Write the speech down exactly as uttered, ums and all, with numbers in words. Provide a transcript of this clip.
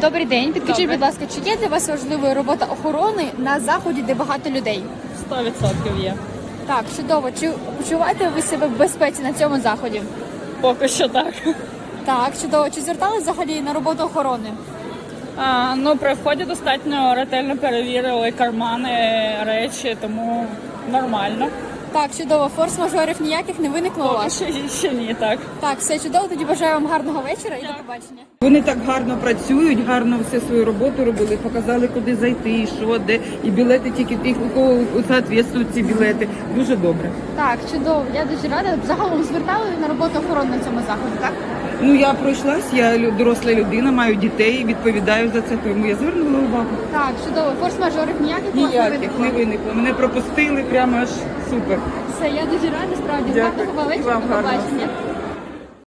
Добрий день. Підкажіть, Добре. будь ласка, чи є для вас важливою робота охорони на заході, де багато людей? Сто відсотків є. Так, чудово. Чи почуваєте ви себе в безпеці на цьому заході? Поки що так. Так, чудово. Чи звертали взагалі на роботу охорони? А, ну, при вході достатньо ретельно перевірили кармани, речі, тому нормально. Так, чудово. Форс-мажорів ніяких не виникло у Поки вас? ще, ще ні, так. Так, все чудово. Тоді бажаю вам гарного вечора і до побачення. Вони так гарно працюють, гарно все свою роботу робили, показали, куди зайти, що, де. І білети тільки тих, у кого відповідають ці білети. Дуже добре. Так, чудово. Я дуже рада. Загалом звертали на роботу охорони на цьому заході, так? Ну я пройшлась, я лю- доросла людина, маю дітей, відповідаю за це, тому я звернула увагу. Так, чудово. Форс-мажорів ніяких у вас не Ніяких виникло? не виникло. Мене пропустили, прямо аж супер. Все, я дуже рада, справді. Дякую. Гарного І вечора, вам до гарного. побачення.